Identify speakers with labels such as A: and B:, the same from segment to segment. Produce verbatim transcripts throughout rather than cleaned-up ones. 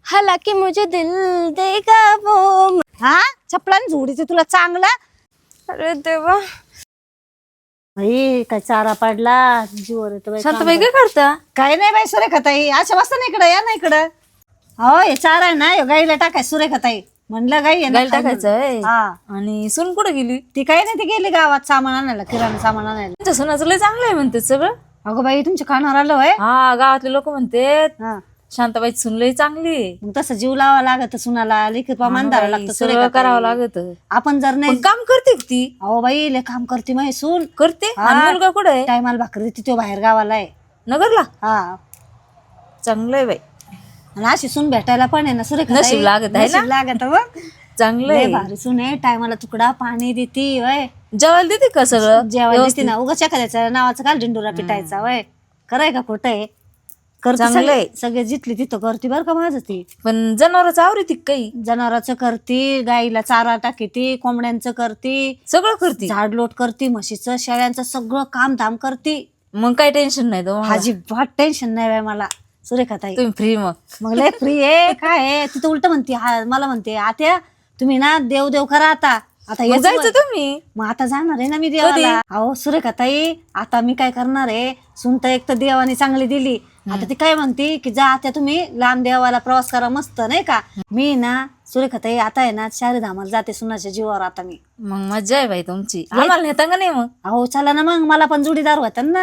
A: हालांकि मुझे दिल देगा वो।
B: हा चपलाने झोडीचे तुला चांगला.
A: अरे देवा,
B: बाई काय चारा पडला जीवर येतो बाई.
A: शांताबाई काय करता?
B: काय नाही बाई सुरेखाताई, अशा वाजता ना इकडं या ना इकडं. हो हे चारा आहे ना, गाईला टाकाय सुरेखाताई. म्हणलं गाई आहे ना
A: गायला टाकायचंय.
B: हा
A: आणि सून कुठे गेली?
B: ती काही नाही, ती गेली गावात सामान आणायला, किराणा सामान आणायला.
A: तुमच्या सुनाचं लय चांगलं आहे म्हणते सगळं.
B: अगो बाई तुमच्या कानावर आलं होय.
A: हा, गावातले लोक म्हणतात
B: हा
A: शांताबाई सून लय चांगली आहे.
B: मग तसं जीव लावा लागत सुनाला, लिखित प्रमाण धरावं लागतं
A: सगळं
B: सुरेखाताई.
A: करावं लागत.
B: आपण जर नाही
A: पण काम करते का ती?
B: अहो बाई लय काम करते माही सून.
A: करते.
B: हा.
A: आणि मुलगा कुठे आहे?
B: टायमाला भाकरी देते, तो बाहेर गावाला आहे.
A: नगरला.
B: हा
A: चांगलं आहे बाई,
B: आणि अशी सून भेटायला पण आहे ना सुरेखाताई.
A: नशीब लागत आहे ना?
B: नशीब लागत मग.
A: चांगलं
B: लय
A: आहे.
B: भारी सून आहे, टायमाला तुकडा पाणी देते वय.
A: जेवायला देते का सगळं?
B: जेवायला देते ना, उगाच एखाद्याच्या नावाचं काल झेंडुरा पिटायचा वय. कराय का खोटं आहे? करते
A: चांगलं आहे.
B: सगळे सगळे जिथली तिथं करते बरं का माझं ती.
A: पण जनावरच आवडते काही?
B: जनावरांचं करते, गाईला चारा टाकीती, कोंबड्यांचं करते,
A: सगळं करते.
B: झाडलोट करते, म्हशीचं शेळ्यांचं सगळं काम धाम करते.
A: मग काही टेन्शन नाही तुम्हाला.
B: अजिबात टेन्शन नाही बाय मला सुरेखाताई.
A: तुम्ही फ्री मग.
B: मग लय फ्री आहे काय आहे. तिथं उलट म्हणते, हा मला म्हणते आत्या तुम्ही ना देव देव करा आता. आता
A: मग
B: हेच
A: जायचं
B: वय.
A: तुम्ही.
B: मग आता जाणार आहे ना मी देवाला. अहो सुरेखाताई आता मी काय करणार आहे, सुनत एक तर देवाने चांगली दिली. आता ती काय म्हणते की जा आता तुम्ही लांब देवाला प्रवास करा मस्त नाही का. मी ना सुरेखाताई आता आहे ना चारी धामाला जाते सुनाच्या जीवावर आता मी.
A: मग मजा आहे बाई तुमची. आम्हाला नेता का नाही मग?
B: अहो चला ना मग, मला पण जोडीदार होता ना.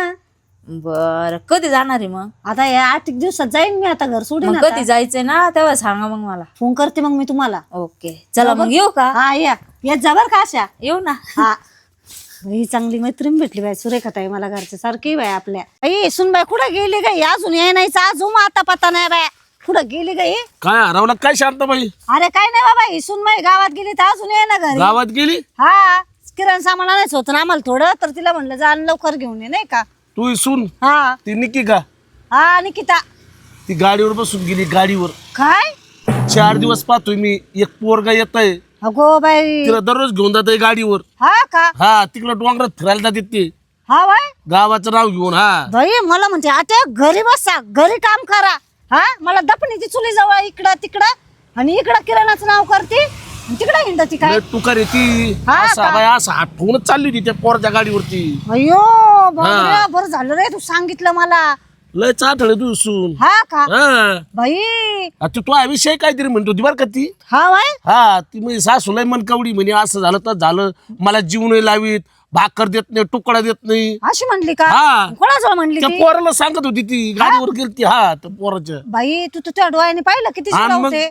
A: बर, कधी जाणार आहे मग?
B: आता या आठ एक दिवसात जाईन मी, आता घर सोडीन.
A: मग
B: आता
A: कधी जायचंय ना तेव्हा सांगा मग मला.
B: फोन करते मग मी तुम्हाला.
A: ओके चला मग येऊ का?
B: हा या येत जा बर का अशा.
A: येऊ ना.
B: हा ही चांगली मैत्रीण भेटली बाई सुरेखाताई मला, घरच्या सारखी बाई आपल्या. आई सुनबाई कुठं गेली गाई? अजून ये नाही, अजून आता पता नाही बाय कुठं गेली गाई.
C: काय हरवलं काय शांताबाई?
B: अरे काय नाही बाबा, ही सुनबाई गावात गेली तर अजून ये ना घरी.
C: गावात गेली?
B: हा किराणा सामान आणायचं होतं ना आम्हाला थोडं, तर तिला म्हणलं जा आणि लवकर घेऊन ये नाही का.
C: तू सून
B: हा
C: ती निकी का?
B: हा निकिता.
C: ती गाडीवर बसून गेली गाडीवर.
B: काय?
C: चार दिवस पाहतोय मी, एक पोरगा येत आहे,
B: अगो बाई.
C: तिला दररोज घेऊन जात गाडीवर.
B: हा का?
C: हा तिकडं डोंगरात फिरायला जाते ते,
B: हा बाय
C: गावाचं नाव घेऊन. हा
B: बाई मला म्हणते आता घरी बसा, घरी काम करा. हा मला दपणीची चुली जवळ इकडं तिकडं, आणि इकडं किराणाचं नाव करते आणि तिकडं हिंडती काय.
C: लय टुकार येते.
B: हा
C: असा
B: का?
C: बाय असं आठवूनच चालली होती त्या पोराच्या गाडीवरती.
B: अयो बापरे, बरं झालं रे तू सांगितलं मला.
C: लय चाठळ तू सून.
B: हा का
C: हा
B: बाई.
C: आता तू विषय काहीतरी म्हणतो होती बरं का ती.
B: हा बाय.
C: हा ती म्हणजे सासू लय मनकवडी, म्हणे असं झालं तर झालं, मला जीव नाही लावीत, भाकर देत नाही, तुकडा देत नाही.
B: अशी म्हणली का?
C: हा.
B: कोणाजवळ म्हणली
C: त्या
B: ती?
C: पोराला सांगत होती ती, गाडीवर गेलती. हा त्या पोराच्या.
B: बाई तू तुझ्या डोळ्याने पाहिलं किती
C: हा, मग.
B: शिकवते.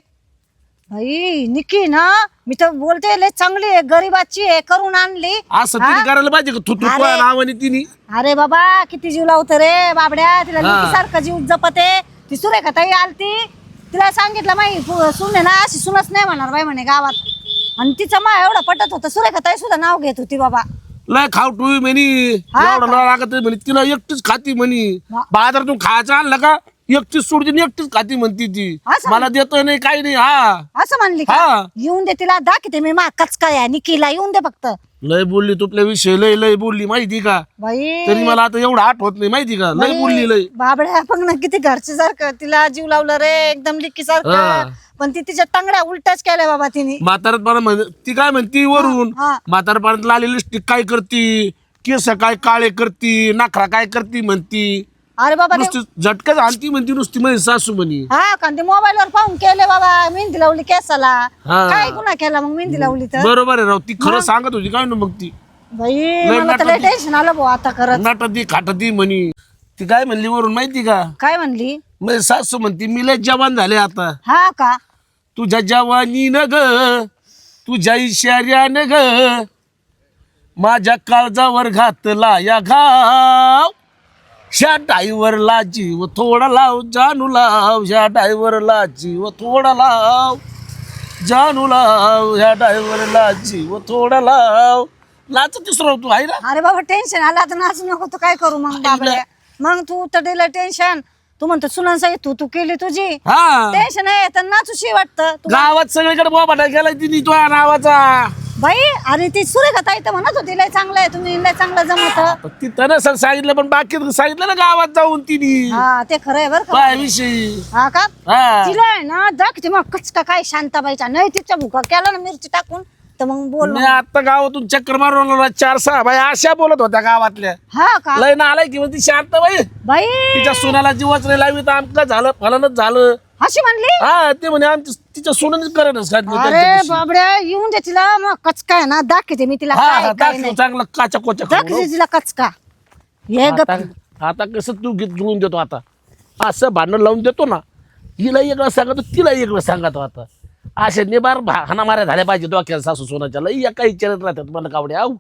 B: बाई निकी ना, मी तर बोलते लय चांगली आहे, गरीबाची आहे, करून आणली.
C: असं तिने करायला पाहिजे का? तू तू
B: अरे.
C: तुझ्या नावाने तिने.
B: अरे बाबा किती जीव लावतं रे बाबड्या, तिला
C: हा.
B: सारखं जीव जपते. ती सुरेखाताई आलती, तिला सांगितलं माई सुने ना अशी सुनच नाही म्हणणार बाई म्हणे गावात. आणि तिचं मा एवढं पटत होतं, सुरेखाताई सुद्धा नाव घेत होती बाबा.
C: लय खाऊ टू म्हणे,
B: हा
C: एवढं
B: का?
C: न लागत म्हणे, तिला एकटीच खाती म्हणे.
B: हा.
C: बाजारातून खायचं आणलं का एकटीच सोडती आणि एकटीच खाती म्हणती ती.
B: असं?
C: मला देतोय नाही काही नाही. हा
B: असं म्हणली का?
C: हा.
B: येऊन दे तिला, दाखवते मी मा कचकाय आहे, निकीला येऊन दे फक्त.
C: लय बोलली तुपल्या विषय, लय लय बोलली माहिती का.
B: बाई
C: तरी मला आता एवढं आठवत नाही माहिती का. लय
B: बाई,
C: बोलली लय.
B: बाबड्या पण ना किती घरचे सारखं तिला जीव लावलं रे, एकदम लिकी
C: हा.
B: सारखं. पण ती तिच्या टांगड्या उलट्याच केल्या बाबा तिने.
C: म्हातारपणा म्हण ती काय म्हणती वरून,
B: हा.
C: म्हातारपणात आलेली लिपस्टिक काय करती, केस काय काळे करती, नाखरा काय करती म्हणती.
B: अरे बाबा ते-
C: नुसती झटकाच आणती म्हणती नुसती माझी सासू म्हणी.
B: हा का ते मोबाईल वर पाहून केले बाबा, मेहंदी लावली केसाला.
C: हा.
B: काय गुन्हा केला मग मेहंदी लावली तर?
C: बरोबर आहे राव, ती खरं सांगत होती काय ना मग ती.
B: बाई मला तर लय टेन्शन आलं भाऊ आता करत.
C: नाटती खाटती म्हणी. ती काय म्हणली वरून माहिती का,
B: काय म्हणली?
C: माझी सासू म्हणती मी लय जवान झाले आता.
B: हा का?
C: तुझ्या जवानी न ग, तुझ्या इशाऱ्यान ग, माझ्या काळजावर घातला या घाव. ह्या डायव्हरला जीव थोडा लाव जानू लाव, ह्या डायव्हरला जीव थोडा लाव जानू लाव, ह्या डायव्हरला जीव थोडा लाव. नाचतीस राव तू आहे ना.
B: अरे बाबा टेन्शन आलं आता, नाचू नको तू काय करू मग बाबा. मग तू तर दिलं टेन्शन, तू म्हणतो सुनांसाठी तू तू केली तुझी
C: हा
B: टेन्शन आहे तर नाचूशी वाटतं.
C: गावात सगळीकडे बोबाटा गेलाय तिने तुझ्या नावाचा.
B: बाई अरे ती सुरेखा ताई तर म्हणत होती लय चांगलं आहे तुम्ही लय चांगलं जमत.
C: पण ती त्यानं सर सांगितलं पण बाकी सांगितलं ना गावात जाऊन तिने
B: हा ते खरं आहे बरं का.
C: काय विषयी
B: हा का
C: हा
B: तिला आहे ना दाखते मग कचका काय शांताबाईचा नाही तिचा भुका केला ना मिरची टाकून तर मग बोल
C: मी आता गावातून चक्कर मारून आलो ना, चार सहा बाई अशा बोलत होत्या गावातल्या
B: हा का
C: लय ना आलाय की ती शांत बाई
B: बाई
C: तिच्या सोनाला जीवच नाही लावी तर आमचं झालं फलनच झालं.
B: अशी म्हणली.
C: हा ते म्हणे आमच्या तिच्या सोनानेच करेनच
B: अरे बाबड्या येऊन दे तिला मग कचका आहे ना दाखवते मी तिला
C: हा
B: काय
C: हा
B: काय
C: दाखव
B: नाही.
C: चांगलं काचा कोचा खाऊन.
B: दाखवते तिला कचका हे गप
C: आता आता कसं तू गीत जुळून देतो आता असं भांडण लावून देतो ना हिला वेगळं सांगतो तिला वेगळं सांगतो आता असे निबार हाना माऱ्या झाल्या पाहिजे डोक्याला सासू सोनाच्या लई एका विचारत राहतात मला कावडे आऊ.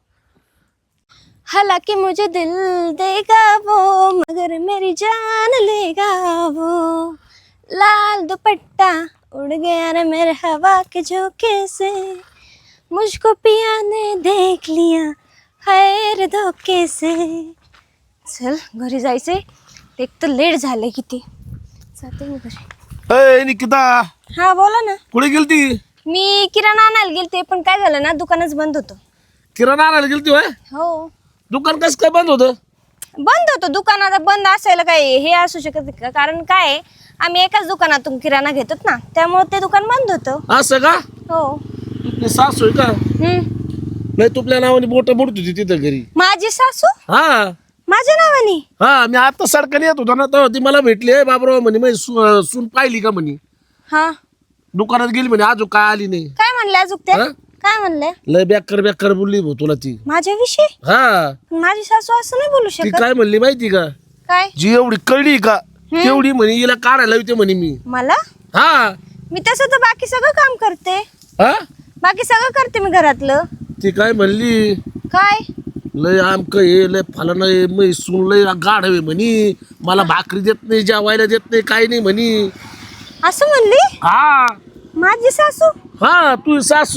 D: हालांकि मुझे दिल देगा वो मगर मेरी जान लेगा वो लाल दुपट्टा उड़ गया ना मेरे हवा के झोंके से मुझको पिया ने देख लिया खैर धोखे से. चल घरी जायचंय एक तर लेट झालंय किती जाते मी घरी.
C: अय निकिता
D: हा बोला ना.
C: कुठे गेलती?
D: मी किराणा आणायला गेलते पण काय झालं ना दुकानच बंद होतं.
C: किराणा आणायला गेलती होय?
D: हो
C: दुकान कसं काय बंद होतं?
D: बंद होतं दुकान. आता बंद असायला काय हे असू शकत नाही का कारण काय आहे, आम्ही एकाच दुकानातून किराणा घेतो ना त्यामुळे ते दुकान बंद होतं.
C: असं का?
D: हो.
C: तुझी सासू आहे का?
D: हम्म.
C: नाही तुपल्या नावाने बोट बुडत होती तिथं घरी.
D: माझी सासू
C: हा
D: माझ्या नावाने.
C: हा मी आता सडकाने येत होता ना तर ती मला भेटली आहे बाबराव म्हणे मी सु- सून पाहिली का म्हणे
D: हा
C: दुकानात गेली म्हणे अजून काय आली नाही.
D: काय म्हणले अजून त्या
C: हा?
D: काय म्हणले
C: लय बेकार बेकार बोलली भाऊ तुला ती.
D: माझ्याविषयी.
C: हा
D: पण माझी सासू असं नाही बोलू
C: ती
D: शकत.
C: काय म्हणली माहिती का?
D: काय
C: जी एवढी कळली का तेवढी म्हणे हिला काढायला होते म्हणे मी.
D: मला
C: हा
D: मी तसं तर बाकी सगळं काम करते.
C: हा
D: बाकी सगळं करते मी घरातलं.
C: ती काय म्हणली
D: काय
C: लय आमक हे लय फलाना हे मै सून लय गाढ हवे म्हणी मला भाकरी देत नाही जेवायला देत नाही काही नाही म्हणी.
D: असं म्हणली
C: हा
D: माझी सासू.
C: हा तू सासू.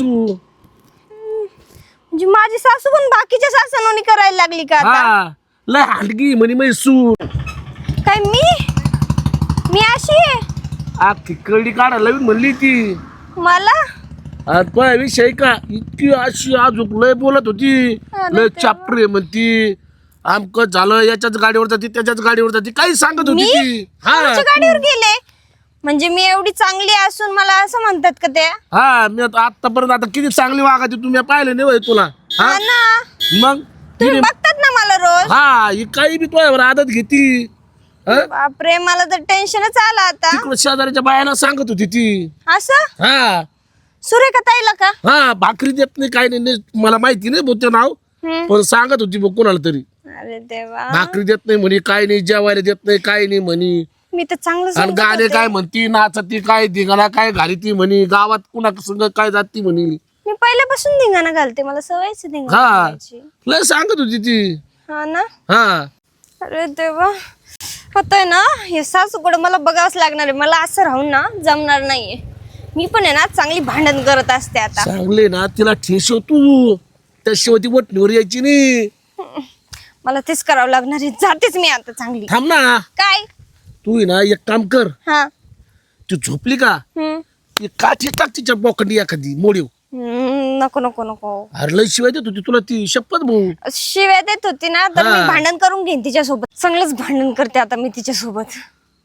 D: म्हणजे माझी सासू पण बाकीच्या सासूनोनी करायला लागली का आता.
C: हा लय हांडगी म्हणे मै सून.
D: काय मी मी अशी आहे
C: अख्खी कळडी काढायला लावीन म्हणली ती.
D: मला.
C: आणि तो विषय का इतकी अशी अजून लय बोलत होती लय चापरे म्हणती आमक झालं याच्याच गाडीवर जाती त्याच्याच गाडीवर जाती काही सांगत होती ती.
D: मी
C: हा
D: तुमच्या गाडीवर गेले म्हणजे मी एवढी चांगली असून मला असं म्हणतात का त्या.
C: हा मी आता आतापर्यंत आता किती चांगली वागायची तुम्ही पाहिलं नाही होय तुला. हा
D: हा ना
C: मग
D: तुम्ही बघतात ना मला रोज.
C: हा ही काही बी तुझ्यावर आदत घेती.
D: बापरे मला तर टेन्शनच आलं आता.
C: तिकडे शेजाऱ्याच्या बायाला सांगत होती ती.
D: असं
C: हा
D: सुरेखा ताईला का.
C: हा भाकरी देत नाही काही नाही मला माहिती नाही बोलते नाव
D: हम्म.
C: पण सांगत होती बघ कोणाला तरी
D: अरे देवा
C: भाकरी देत नाही म्हणे काय नाही जेवायला देत नाही काही नाही म्हणे.
D: मी तर चांगलं
C: आणि
D: समजत
C: गाणे
D: होते.
C: काय म्हणती नाचती काय धिंगाणा काय घाली ती म्हणे गावात कुणा संग काय जाती म्हणे.
D: मी पहिल्यापासून धिंगाणा घालते मला सवयच आहे धिंगाणा
C: हा
D: घालायची.
C: लय सांगत होती ती.
D: हा ना.
C: हा
D: अरे देवा होतंय ना हे सासूकडे मला बघावंच लागणार आहे. मला असं राहून ना जमणार नाहीये. मी पण आहे ना चांगली भांडण करत असते आता.
C: चांगले ना तिला ठेसव तू त्याशिवाय ती वटणीवर यायची नाही.
D: मला तेच करावं लागणार आहे. जातेच मी आता चांगली.
C: थांब ना
D: काय.
C: तू आहे ना एक काम कर
D: हा.
C: ती झोपली का
D: हम्म.
C: ती काठी टाक तिच्या बोकंडी एखादी मोडीव.
D: हम्म, नको नको नको.
C: अरे लय शिवाय देत होती तुला ती शपथ भाऊ.
D: शिव्या देत होती ना तर मी
C: हा.
D: भांडण करून घेईन तिच्यासोबत. चांगलंच भांडण करते आता मी तिच्यासोबत.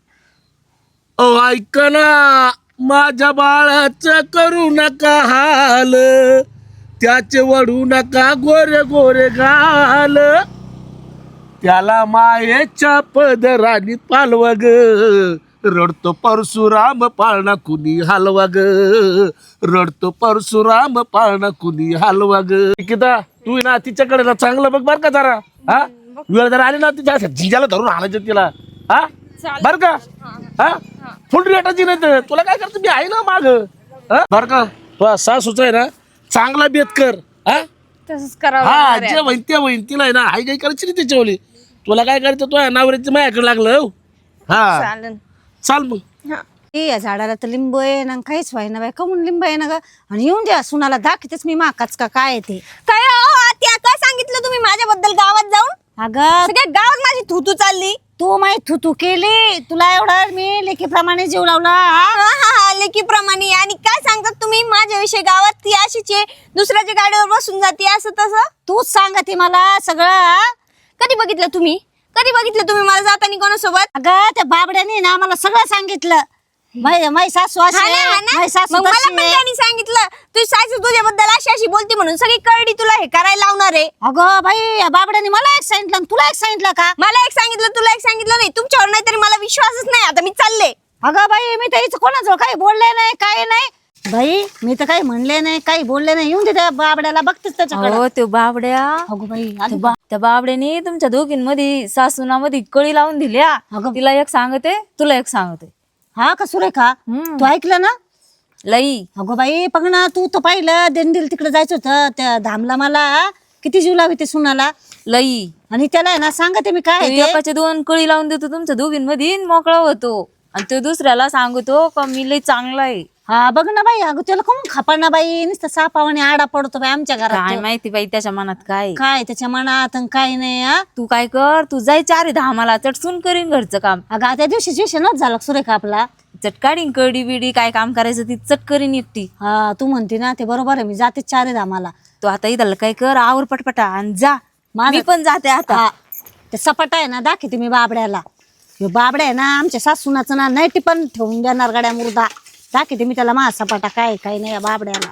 C: ओ ऐक ना माझ्या बाळाचं करू नका हाल त्याचे वडू नका गोरे गोरे गाल त्याला मायेच्या पदरानी पालवा ग रडतो परशुराम पाळणा कुणी हलवा ग रडतो परशुराम पाळणा कुणी हलवा ग. निकिता तू ना तिच्याकडे ना चांगलं बघ बर का जरा. हा वेळ जरा आली ना तिच्या झिंजाला धरून आणायचं तिला. हा बर का. हा फुल रेटाची नाही तर तुला काय करतो मी आहे ना माग. बर का तुझा सासूच आहे ना चांगला बेत कर. हा
D: तसंच करावं
C: हा
D: लागणार आहे.
C: जे बहीण ते बहीण तिला आहे ना हाय काही करायची नाही त्याच्यावली. तुला काय करायचं तुझ्या नवऱ्याची माझ्याकडे लागलं. हो हा
D: चालेल.
C: चाल मग.
D: हा.
B: ए, या झाडाला तर लिंब आहे ना काहीच व्हाय ना बाय कमून लिंब आहे ना ग आणि येऊन द्या सुनाला दाखवतेच मी माकाच का काय आहे ते.
D: काय अहो, आत्या काय सांगितलं तुम्ही माझ्याबद्दल गावात जाऊन.
B: अगं
D: सगळ्या गावात माझी थुतू चालली.
B: तू माही तू तू केली तुला एवढा मी लेकीप्रमाणे जीव लावला.
D: हा हा हा लेकीप्रमाणे. आणि काय सांगतात तुम्ही माझ्या विषय गावात ती अशीच आहे, दुसऱ्याच्या गाडीवर बसून जाते असं तसं.
B: तूच सांगते मला सगळं हा?
D: कधी बघितलं तुम्ही कधी बघितलं तुम्ही मला जाताना कोणासोबत?
B: अगं त्या बाबड्याने ना मला सगळं सांगितलं. माई माई सासू अशी
D: हा ना,
B: आहे,
D: हा ना?
B: माई सासू
D: मग मला
B: तशी
D: पण
B: आहे.
D: त्यांनी सांगितलं तुझी सासू तुझ्याबद्दल अशी अशी बोलते म्हणून सगळी कळडी तुला हे करायला लावणार आहे.
B: अगं बाई या बाबड्याने मला एक सांगितलं आणि तुला एक सांगितलं का?
D: मला एक सांगितलं तुला एक सांगितलं नाही, तुमच्यावर नाही तरी मला विश्वासच नाही. आता मी चालले.
B: अगं बाई मी तर हिचं कोणाजवळ काही बोलले नाही काय नाही बाई, मी तर काही म्हणले नाही काही बोलले नाही. येऊन दे त्या बाबड्याला, बघतेच त्याच्याकडे.
A: हो त्यो बाबड्या
B: अगो बाई
A: त्या
B: आली
A: बा- त्या बाबड्याने तुमच्या दोघींमध्ये सासूनामध्ये कळी लावून दिल्या.
B: अगं.
A: तिला एक सांगते तुला एक सांगते.
B: हा का सुरेखा
A: हम्म.
B: तू ऐकलं ना?
A: लई
B: अगो बाई बघ ना, तू तर पाहिलं दिंडील तिकडे जायचं होतं त्या धामला, मला किती जीव लावी ते सुनाला.
A: लई
B: आणि त्याला आहे ना सांगते मी काय
A: तो
B: आहे ते.
A: एकाचे दोन कळी लावून देतो तुमच्या दोघींमध्ये आणि मोकळा होतो, आणि तो दुसऱ्याला सांगतो का मी लई चांगला आहे.
B: हा बघ ना बाई, अगं त्याला कोण खापा ना बाई, नुसतं सापावाने आडा पडतो बाई आमच्या
A: काय
B: घरात.
A: माहिती बाई त्याच्या मनात काय आहे.
B: काय त्याच्या मनात आणि काय नाही. हा
A: तू काय कर, तू जाय चारी धामाला चटसून करीन घरचं काम.
B: अगं त्या दिवशी विषयच झाला सुरेखा आपला.
A: चटकाडीन कडी बिडी काय काम करायचं ती चट करीन एकटी.
B: हा तू म्हणते ना ते बरोबर आहे, मी जाते चारे धामाला.
A: तू आता इथं काय कर, आवर पटपटा आणि जा.
B: माझं-
A: मी पण जाते आता.
B: हा ते सपाटा आहे ना दाखवते मी बाबड्याला. ह्यो बाबड्या आहे ना आमच्या सासूनाचं ना नाही टिपण ठेवून देणार गड्या मुर्दा. दाखवते मी त्याला मा सपाटा काय काय नाही या बाबड्याला.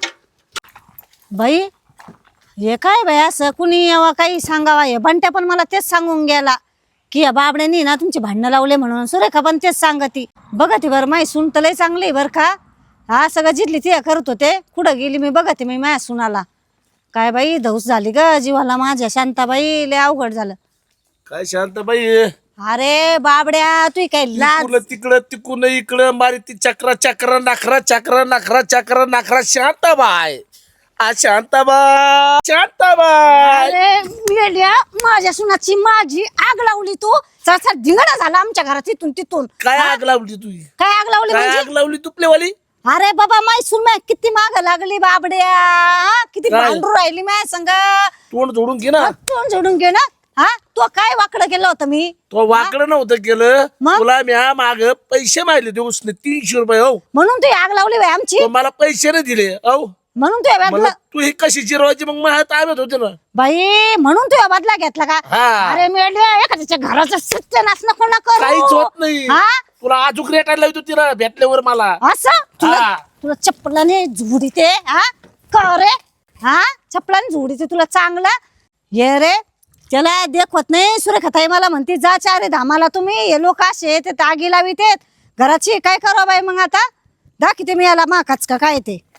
B: बाई हे काय बाई असं कुणी यावा काही सांगावा, हे बंट्या पण मला तेच सांगून गेला की या बाबड्यानी ना तुमची भांडणं लावले म्हणून. सुरेखा पण तेच सांगती. बघा ती बरं माही सून तर लय चांगली आहे बरं का. हा सगळं जिथली ती करत होते, कुठं गेली मी बघते मी माझ्या सुनाला. काय बाई धौस झाली ग जीवाला माझ्या. शांताबाई लय अवघड झालं.
C: काय शांताबाई,
B: अरे बाबड्या तू काय लाज.
C: तिकडं तिकडं तिकून इकडं मारी ती चक्रा चक्र नखरा चक्र नखरा चक्र नखरा. शांताबाई आ शांताबाई शांताबाई.
B: अरे मेल्या, माझ्या सुनाची माझी आग लावली तू. चरचर धिंगडा झाला आमच्या घरात इथून तिथून.
C: काय आग लावली तू?
B: काय आग लावली
C: काय
B: म्हणजे?
C: आग लावली तुपलेवाली?
B: अरे बाबा माय सुन माय किती माग लागली बाबड्या. हा? किती
C: काय?
B: भांडू राहिली माय संग.
C: तोंड जोडून घे ना.
B: तोंड जोडून घे ना. हा तू काय वाकडं केलं होतं मी?
C: तो वाकडं नव्हतं केलं.
B: मग?
C: तुला म्या माग पैसे मागले ते उसने तीनशे रुपये. हो
B: म्हणून तू आग लावली बाई आमची.
C: तो मला पैसे नाही दिले. हो
B: म्हणून तू
C: मला तू ही कशी जिरवायची मग मला ताब्यात होते ना.
B: बाई म्हणून तू बदला घेतला का?
C: हा.
B: अरे मेल्या एखाद्याच्या घराचं सत्यानाश नको ना करू.
C: काहीच होत नाही.
B: हा
C: तुला आजूक रेटायला लावतो तिला भेटल्यावर मला.
B: असं तुला
C: हा.
B: तुला चप्पलाने झुडीते. हा का रे? हा चप्पलाने झुडीते तुला चांगलं. ये रे त्याला देखवत नाही. सुरेखाताई मला म्हणते जा चारे धामाला तुम्ही. हे लोक असे ते तागी लावित घराची काय करावं बाई. मग आता दाखवते मी याला माकाच का काय ते.